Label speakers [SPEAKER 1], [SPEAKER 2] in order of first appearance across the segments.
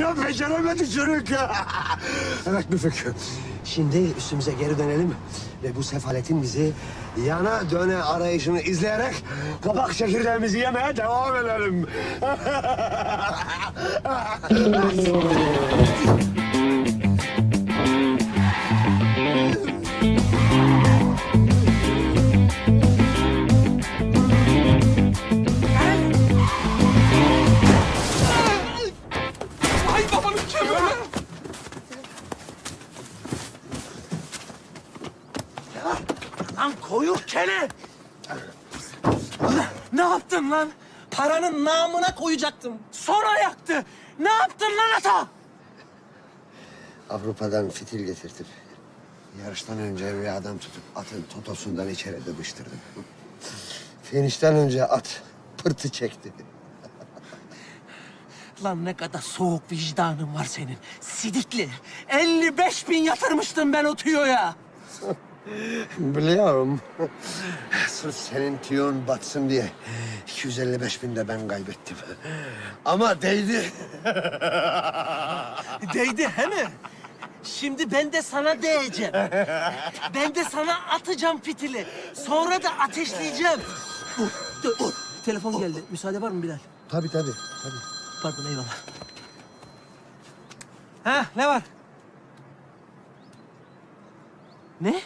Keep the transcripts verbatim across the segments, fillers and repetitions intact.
[SPEAKER 1] ya beceremedi çocuk. Evet Müfük. Şimdi üstümüze geri dönelim ve bu sefaletin bizi yana döne arayışını izleyerek kabak çekirdeğimizi yemeye devam edelim.
[SPEAKER 2] Ay babanın kemiği.
[SPEAKER 3] Lan koyuk kene! Ne yaptın lan? Paranın namına koyacaktım. Sonra yaktı. Ne yaptın lan ata?
[SPEAKER 1] Avrupa'dan fitil getirtip yarıştan önce bir adam tutup atın totosundan içeri dıbıştırdım. Finişten önce at pırtı çekti.
[SPEAKER 3] Lan ne kadar soğuk vicdanın var senin. Sidikli. elli beş bin yatırmıştım ben o tüyoya.
[SPEAKER 1] Biliyorum. Sırf senin tüyon batsın diye iki yüz elli beş bin de ben kaybettim. Ama değdi.
[SPEAKER 3] Değdi he mi? Şimdi ben de sana değeceğim. Ben de sana atacağım fitili. Sonra da ateşleyeceğim. Dur, dur, dur. Telefon geldi. Müsaade var mı Bilal?
[SPEAKER 1] Tabii tabii. tabii.
[SPEAKER 3] Pardon, eyvallah. Ha, ne var? Ne?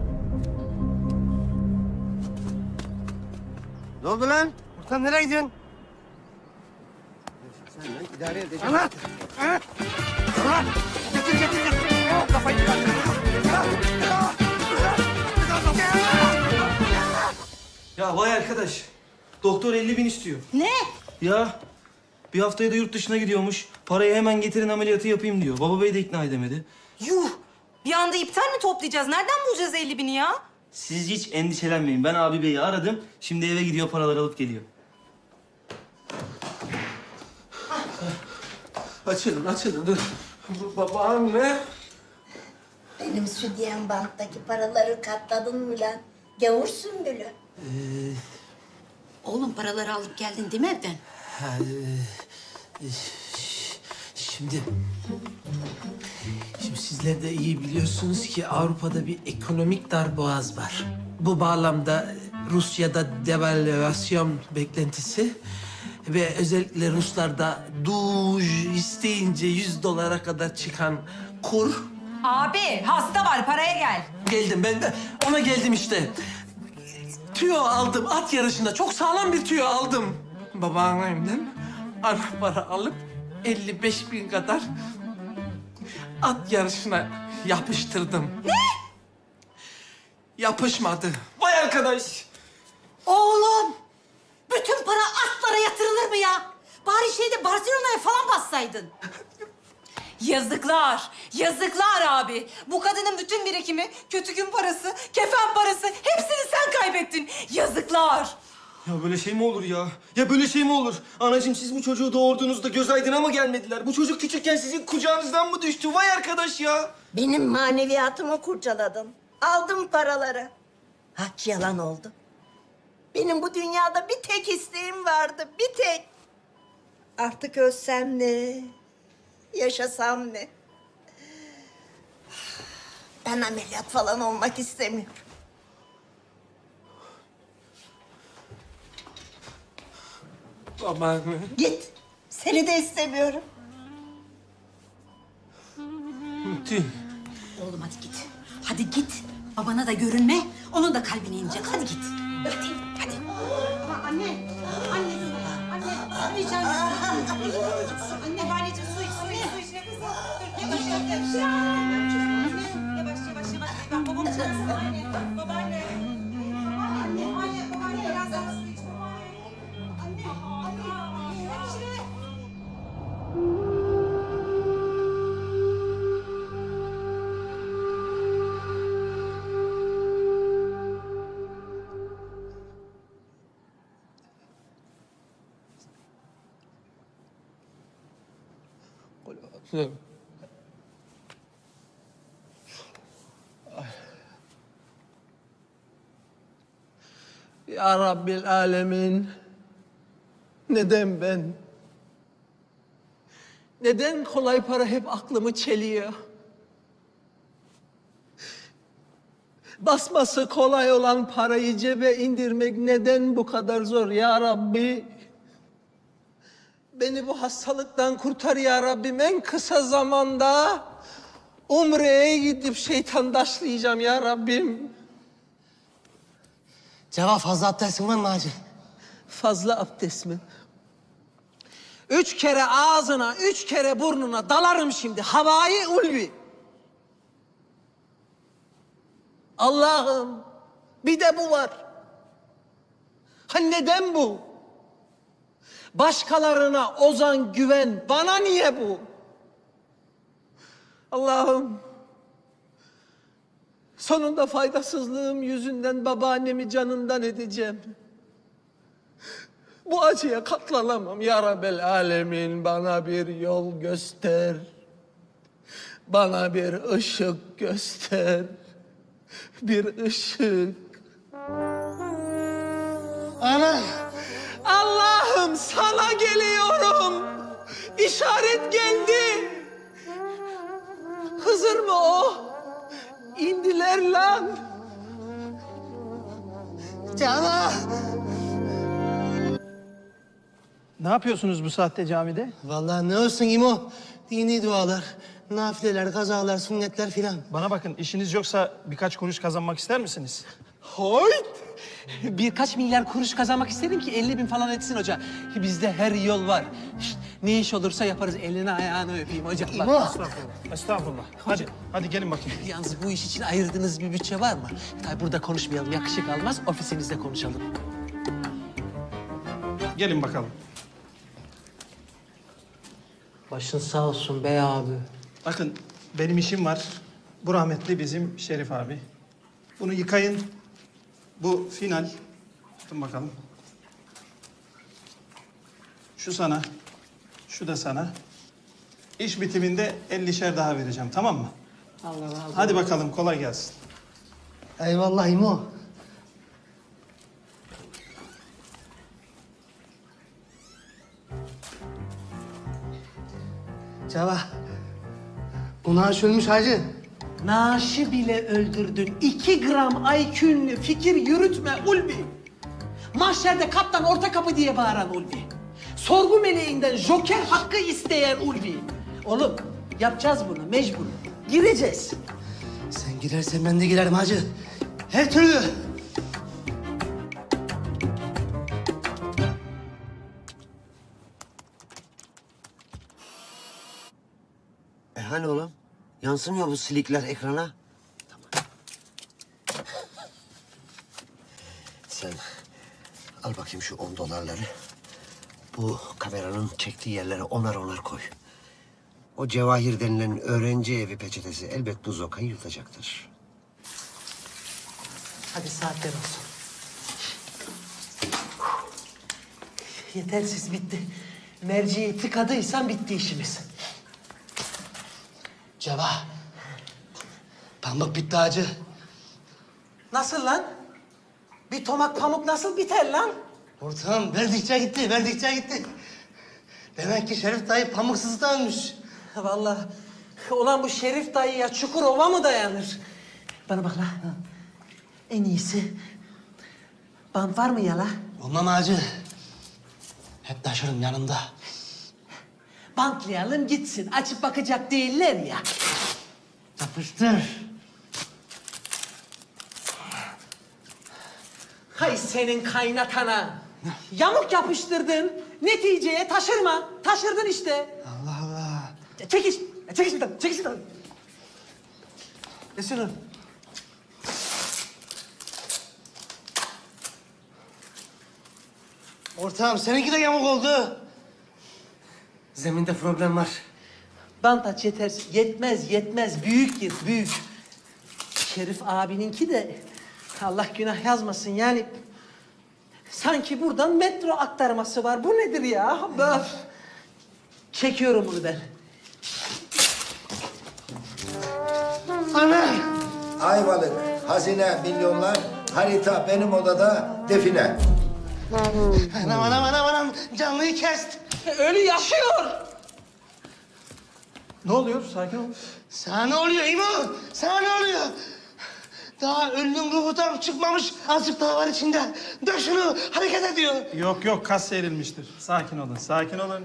[SPEAKER 1] Ne oldu lan?
[SPEAKER 3] Ortam nereye gidiyorsun?
[SPEAKER 1] Sen lan idare edeceksin.
[SPEAKER 3] Anlat! Anlat! Anlat! Getir, getir, getir! Kafayı bırak!
[SPEAKER 2] Ya vay arkadaş. Doktor elli bin istiyor.
[SPEAKER 4] Ne?
[SPEAKER 2] Ya bir haftaya da yurt dışına gidiyormuş. Parayı hemen getirin ameliyatı yapayım diyor. Baba bey de ikna edemedi.
[SPEAKER 4] Yuh! Bir anda iptal mi toplayacağız? Nereden bulacağız elli bini ya?
[SPEAKER 2] Siz hiç endişelenmeyin. Ben abi beyi aradım. Şimdi eve gidiyor paraları alıp geliyor.
[SPEAKER 3] Açılın, açılın. Dur. Bu babam ne?
[SPEAKER 5] Benim südyen banttaki paraları katladın mı lan? Gavur sümbülü.
[SPEAKER 6] Oğlum paraları alıp geldin değil mi evden?
[SPEAKER 3] Ha, e, e, şimdi... Şimdi sizler de iyi biliyorsunuz ki Avrupa'da bir ekonomik darboğaz var. Bu bağlamda Rusya'da devalüasyon beklentisi ve özellikle Ruslarda duj isteyince yüz dolara kadar çıkan kur.
[SPEAKER 4] Abi hasta var paraya gel.
[SPEAKER 3] Geldim ben de ona geldim işte. Tüyo aldım at yarışında. Çok sağlam bir tüyo aldım. Babaannemden ana para alıp elli beş bin kadar at yarışına yapıştırdım. Ne? Yapışmadı.
[SPEAKER 2] Vay arkadaş.
[SPEAKER 6] Oğlum! Bütün para atlara yatırılır mı ya? Bari şeyde Barcelona'ya falan bassaydın.
[SPEAKER 4] Yazıklar, yazıklar abi. Bu kadının bütün birikimi, kötü gün parası, kefen parası hepsini sen kaybettin. Yazıklar.
[SPEAKER 2] Ya böyle şey mi olur ya? Ya böyle şey mi olur? Anacığım siz bu çocuğu doğurduğunuzda göz aydına mı gelmediler? Bu çocuk küçükken sizin kucağınızdan mı düştü? Vay arkadaş ya.
[SPEAKER 5] Benim maneviyatımı kurcaladın. Aldım paraları. Haç yalan oldu. Benim bu dünyada bir tek isteğim vardı, bir tek. Artık ölsem ne, yaşasam ne? Ben ameliyat falan olmak istemiyorum.
[SPEAKER 3] Babaanne.
[SPEAKER 5] Git, seni de istemiyorum.
[SPEAKER 3] Tüh.
[SPEAKER 6] Oğlum hadi git. Hadi git. Babana da görünme. Onun da kalbine inecek. Hadi git. Hadi. Hadi.
[SPEAKER 4] Ama anne, anne, anne, su içer misin? Anne, babaanneciğim su iç, su iç, su iç. Nefes al. Dur, yavaş, yavaş, yavaş. Yavaş, yavaş, yavaş. Bak babam çağırsın anne. Babaanne. Anne, anne, babaanne biraz daha su iç. Babaanne. Anne, anne. Hemşire.
[SPEAKER 3] Ya Rabbil Alemin. Neden ben? Neden kolay para hep aklımı çeliyor? Basması kolay olan parayı cebe indirmek neden bu kadar zor ya Rabbi? Beni bu hastalıktan kurtar ya Rabbim. En kısa zamanda Umre'ye gidip şeytandaşlayacağım ya Rabbim.
[SPEAKER 1] Cevap fazla abdestin var mı hacı?
[SPEAKER 3] Fazla abdest mi? Üç kere ağzına, üç kere burnuna dalarım şimdi. Havai ulvi. Allah'ım, bir de bu var. Ha neden bu? Başkalarına ozan güven, bana niye bu? Allah'ım, sonunda faydasızlığım yüzünden babaannemi canından edeceğim. Bu acıya katlanamam ya Rabbel Alemin. Bana bir yol göster. Bana bir ışık göster. Bir ışık.
[SPEAKER 1] Ana!
[SPEAKER 3] Allah'ım sana geliyorum. İşaret geldi. Hızır mı o? İndiler lan.
[SPEAKER 1] Cana!
[SPEAKER 7] Ne yapıyorsunuz bu saatte camide?
[SPEAKER 1] Vallahi ne olsun İmo? Dini dualar, nafileler, kazalar, sünnetler filan.
[SPEAKER 7] Bana bakın, işiniz yoksa birkaç kuruş kazanmak ister misiniz?
[SPEAKER 3] Hoyt! Birkaç milyar kuruş kazanmak istedim ki elli bin falan etsin hoca. Bizde her yol var. Şişt, ne iş olursa yaparız. Elini ayağını öpeyim hocam. Bak.
[SPEAKER 1] İmo!
[SPEAKER 7] Estağfurullah. Estağfurullah. Hadi, hadi gelin bakayım.
[SPEAKER 3] Yalnız bu iş için ayırdığınız bir bütçe var mı? Tabii burada konuşmayalım, yakışık almaz. Ofisinizde konuşalım.
[SPEAKER 7] Gelin bakalım.
[SPEAKER 3] Başın sağ olsun bey abi.
[SPEAKER 7] Bakın, benim işim var. Bu rahmetli bizim Şerif abi. Bunu yıkayın. Bu final. Tutun bakalım. Şu sana. Şu da sana. İş bitiminde ellişer daha vereceğim, tamam mı?
[SPEAKER 3] Allah razı olsun.
[SPEAKER 7] Hadi bakalım, kolay gelsin.
[SPEAKER 1] Eyvallah İmo. Ceva, bu naaş ölmüş hacı.
[SPEAKER 3] Naaşı bile öldürdün. İki gram I Q'nle fikir yürütme Ulvi. Mahşerde kaptan orta kapı diye bağıran Ulvi. Sorgu meleğinden joker hakkı isteyen Ulvi. Oğlum yapacağız bunu mecbur. Gireceğiz.
[SPEAKER 1] Sen girersen ben de girerim hacı. Her türlü. E hani oğlum? Yansımıyor bu silikler ekrana. Tamam. Sen al bakayım şu on dolarları. Bu kameranın çektiği yerlere onar onar koy. O Cevahir denilen öğrenci evi peçetesi elbet bu zokayı yutacaktır.
[SPEAKER 3] Hadi saatler olsun. Yetersiz bitti. Merciyi tıkadıysan bitti işimiz.
[SPEAKER 1] Ceva, pamuk bitti hacı.
[SPEAKER 3] Nasıl lan? Bir tomak pamuk nasıl biter lan?
[SPEAKER 1] Ortağım verdikçe gitti, verdikçe gitti. Demek ki Şerif dayı pamuksuz da ölmüş.
[SPEAKER 3] Vallahi ulan bu Şerif dayıya Çukurova mı dayanır? Bana bak la. En iyisi bant var mı ya la?
[SPEAKER 1] Olmam hacı. Hep taşırım yanımda.
[SPEAKER 3] Bantlayalım gitsin. Açıp bakacak değiller ya.
[SPEAKER 1] Yapıştır.
[SPEAKER 3] Hay senin kaynatana. Yamuk yapıştırdın. Neticeye taşırma. Taşırdın işte.
[SPEAKER 1] Allah Allah.
[SPEAKER 3] Çekiş. Çekiş bir tane. Çekiş bir tane. Ne sürün?
[SPEAKER 1] Ortağım seninki de yamuk oldu. Zeminde problem var.
[SPEAKER 3] Bant aç yetersiz. Yetmez yetmez. Büyük gir büyük. Şerif abininki de Allah günah yazmasın yani. Sanki buradan metro aktarması var. Bu nedir ya? Böf. Çekiyorum bunu ben.
[SPEAKER 1] Ana!
[SPEAKER 8] Ayvalık, hazine, milyonlar, harita benim odada, define.
[SPEAKER 1] Anam anam anam anam canlıyı kest.
[SPEAKER 3] Ölü yaşıyor.
[SPEAKER 7] Ne oluyor? Sakin ol.
[SPEAKER 9] Sana ne oluyor İmo? Sana ne oluyor? Daha ölünün ruhu tam çıkmamış. Azıcık daha var içinde. Dök şunu, hareket ediyor.
[SPEAKER 7] Yok yok, kas seyrilmiştir. Sakin olun, sakin olun.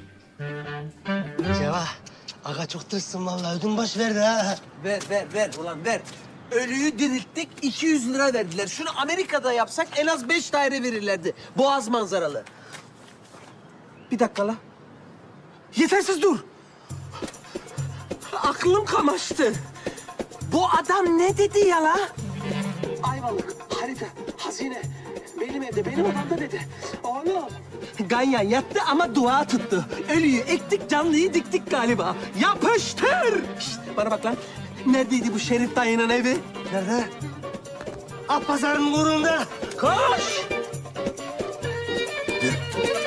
[SPEAKER 9] Ceva, aga çok tırsın vallahi. Ödüm baş verdi ha.
[SPEAKER 3] Ver, ver, ver ulan ver. Ölüyü dirilttik, iki yüz lira verdiler. Şunu Amerika'da yapsak en az beş daire verirlerdi. Boğaz manzaralı. Bir dakika la. Yetersiz dur. Aklım kamaştı. Bu adam ne dedi ya la? Ayvalık, harita, hazine. Benim evde, benim odamda dedi. Oğlum. Ganyan yattı ama dua tuttu. Ölüyü ektik, canlıyı diktik galiba. Yapıştır! Şişt, bana bak lan. Neredeydi bu Şerif dayının evi?
[SPEAKER 9] Nerede? At pazarının uğrunda.
[SPEAKER 3] Koş!
[SPEAKER 1] Yürü.